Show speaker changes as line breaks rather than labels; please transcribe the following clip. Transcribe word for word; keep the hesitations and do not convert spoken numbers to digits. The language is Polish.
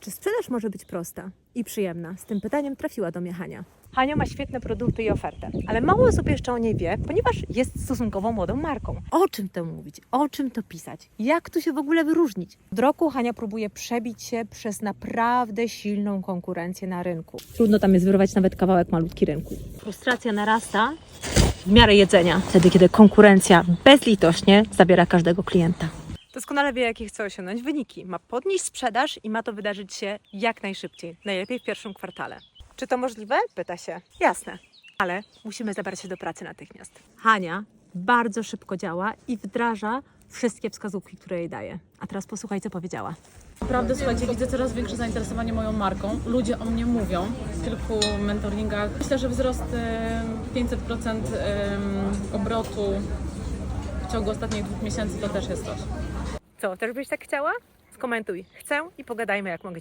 Czy sprzedaż może być prosta i przyjemna? Z tym pytaniem trafiła do mnie Hania. Hania ma świetne produkty i ofertę, ale mało osób jeszcze o niej wie, ponieważ jest stosunkowo młodą marką. O czym to mówić? O czym to pisać? Jak tu się w ogóle wyróżnić? Od roku Hania próbuje przebić się przez naprawdę silną konkurencję na rynku. Trudno tam jest wyrwać nawet kawałek malutki rynku. Frustracja narasta w miarę jedzenia, wtedy kiedy konkurencja bezlitośnie zabiera każdego klienta. Doskonale wie, jakie chce osiągnąć wyniki. Ma podnieść sprzedaż i ma to wydarzyć się jak najszybciej, najlepiej w pierwszym kwartale. Czy to możliwe? Pyta się. Jasne, ale musimy zabrać się do pracy natychmiast. Hania bardzo szybko działa i wdraża wszystkie wskazówki, które jej daje. A teraz posłuchaj, co powiedziała.
Naprawdę, słuchajcie, widzę coraz większe zainteresowanie moją marką. Ludzie o mnie mówią w kilku mentoringach. Myślę, że wzrost em, pięćset procent em, obrotu w ciągu ostatnich dwóch miesięcy to też jest coś.
Co, też byś tak chciała? Skomentuj. Chcę i pogadajmy, jak mogę